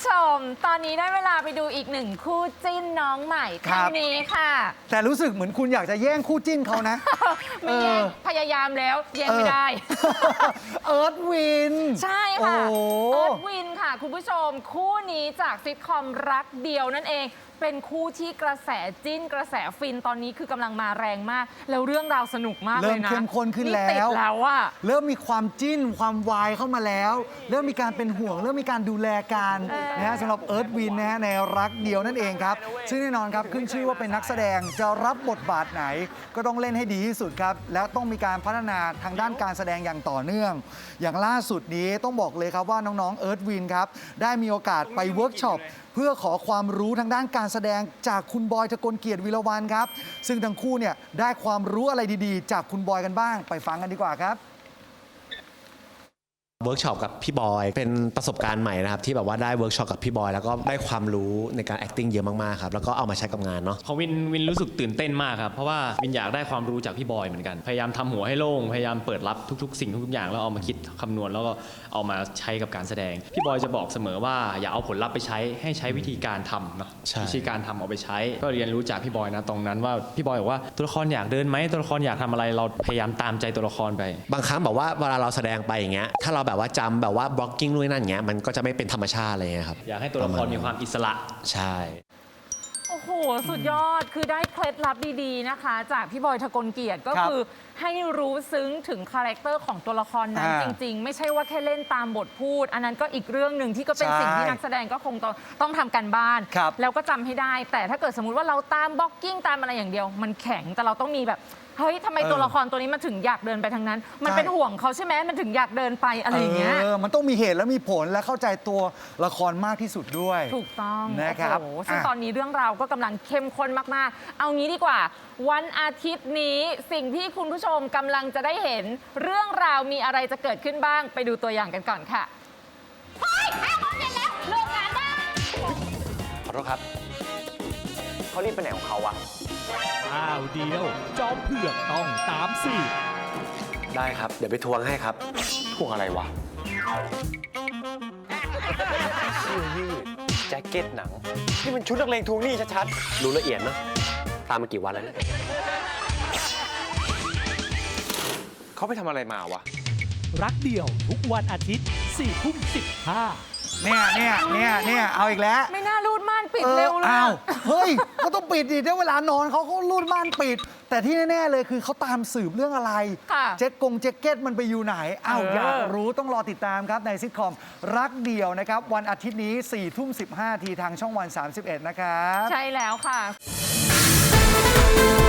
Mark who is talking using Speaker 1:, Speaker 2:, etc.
Speaker 1: ชมตอนนี้ได้เวลาไปดูอีกหนึ่งคู่จิ้นน้องใหม่ครั้งนี้ค่ะ
Speaker 2: แต่รู้สึกเหมือนคุณอยากจะแย่งคู่จิ้นเขานะ
Speaker 1: ไม่แย่งพยายามแล้วแย่งไม่ได้
Speaker 2: เอิร์ธวิน
Speaker 1: ใช่ค่ะเอิร์ธวินค่ะคุณผู้ชมคู่นี้จากซิทคอมรักเดียวนั่นเองเป็นคู่ที่กระแสจิ้นกระแสฟินตอนนี้คือกำลังมาแรงมากแล้วเรื่องราวสนุกมากเลยนะ
Speaker 2: เริ่มเข้มข้นขึ้นแล้วเริ่มมีความจิ้นความวายเข้ามาแล้วเริ่มมีการเป็นห่วงเริ่มมีการดูแลกันนะฮะสำหรับเอิร์ธวินนะฮะในรักเดียวนั่นเองครับซึ่งแน่นอนครับขึ้นชื่อว่าเป็นนักแสดงจะรับบทบาทไหนก็ต้องเล่นให้ดีที่สุดครับแล้วต้องมีการพัฒนาทางด้านการแสดงอย่างต่อเนื่องอย่างล่าสุดนี้ต้องบอกเลยครับว่าน้องๆเอิร์ธวินครับได้มีโอกาสไปเวิร์กช็อปเพื่อขอความรู้ทางด้านการแสดงจากคุณบอยทกลเกียรติวีรวรรณครับซึ่งทั้งคู่เนี่ยได้ความรู้อะไรดีๆจากคุณบอยกันบ้างไปฟังกันดีกว่าครับ
Speaker 3: เวิร์กช็อปกับพี่บอยเป็นประสบการณ์ใหม่นะครับที่แบบว่าได้เวิร์กช็อปกับพี่บอยแล้วก็ได้ความรู้ในการ acting เยอะมากๆครับแล้วก็เอามาใช้กับงานเนาะ
Speaker 4: ของวินรู้สึกตื่นเต้นมากครับเพราะว่าวินอยากได้ความรู้จากพี่บอยเหมือนกันพยายามทำหัวให้โล่งพยายามเปิดรับทุกๆสิ่งทุกๆอย่างแล้วเอามาคิดคำนวณแล้วก็เอามาใช้กับการแสดงพี่บอยจะบอกเสมอว่าอย่าเอาผลลัพธ์ไปใช้ให้ใช้วิธีการทำเนาะวิธีการทำเอาไปใช้ก็เรียนรู้จากพี่บอยนะตรงนั้นว่าพี่บอยบอกว่าตัวละครอยากเดินไหมตัวละครอยากทำอะไรเราพยายามตามใจตัวละครไป
Speaker 3: บางครั้งแบบว่าเวลาเราแสดงไปอย่างเงี้ยถ้าเราแบบว่าจำแบบว่าบล็อกกิ้งด้วยนั่นอย่างเงี้ยมันก็จะไม่เป็นธรรมชาติอะไรเงี้ยครับ
Speaker 4: อยากให้ตัวละครมีความอิสระ
Speaker 3: ใช่
Speaker 1: โอ้โหสุดยอดคือได้เคล็ดลับดีๆนะคะจากพี่บอยทกลเกียรติก็คือให้รู้ซึ้งถึงคาแรคเตอร์ของตัวละครนั้นจริงๆไม่ใช่ว่าแค่เล่นตามบทพูดอันนั้นก็อีกเรื่องหนึ่งที่ก็เป็นสิ่งที่นักแสดงก็คงต้องทำกันบ้านแล้วก็จำให้ได้แต่ถ้าเกิดสมมุติว่าเราตามบล็อกกิ้งตามอะไรอย่างเดียวมันแข็งแต่เราต้องมีแบบเฮ้ยทำไมตัวละครตัวนี้มันถึงอยากเดินไปทางนั้นมันเป็นห่วงเขาใช่ไหมมันถึงอยากเดินไปอะไรอย่างเงี้ย
Speaker 2: มันต้องมีเหตุและมีผลและเข้าใจตัวละครมากที่สุดด้วย
Speaker 1: ถูกต้อง
Speaker 2: นะครับ
Speaker 1: ซึ่งตอนนี้เรื่องราวก็กำลังเข้มข้นมากๆเอางี้ดีกว่าวันอาทิตย์นี้สิ่งที่คุณผู้ชมกำลังจะได้เห็นเรื่องราวมีอะไรจะเกิดขึ้นบ้างไปดูตัวอย่างกันก่อนค่ะเฮ้ย5 โมงเย็นแล้วเลิกงานได้
Speaker 5: ขอโทษครับเขารีบไปไหนของเขาวะ
Speaker 6: อ้าวเดียวจอมเผือกต้องตามสิ
Speaker 5: ได้ครับเดี๋ยวไปทวงให้ครับทวงอะไรวะเสื้อยืดแจ็คเก็ตหนังนี่มันชุดนักเลงทวงหนี้ชัดๆรู้ละเอียดนะตามมากี่วันแล้วเนี่ยเขาไปทำอะไรมาวะ
Speaker 6: รักเดียวทุกวันอาทิตย์ 4:15
Speaker 2: เนี่ยเอาอีกแล้ว
Speaker 1: ไม่น่ารูดม่านปิดเร็วเลย
Speaker 2: เฮ้ยก็ต้องปิดดิถ้าเวลานอนเขารูดม่านปิดแต่ที่แน่ๆเลยคือเขาตามสืบเรื่องอะไรแจ็คเก็ตมันไปอยู่ไหนอยากรู้ต้องรอติดตามครับในซิทคอมรักเดียวนะครับวันอาทิตย์นี้ 4:15 ทีทางช่องวัน 31นะครับ
Speaker 1: ใช่แล้วค่ะ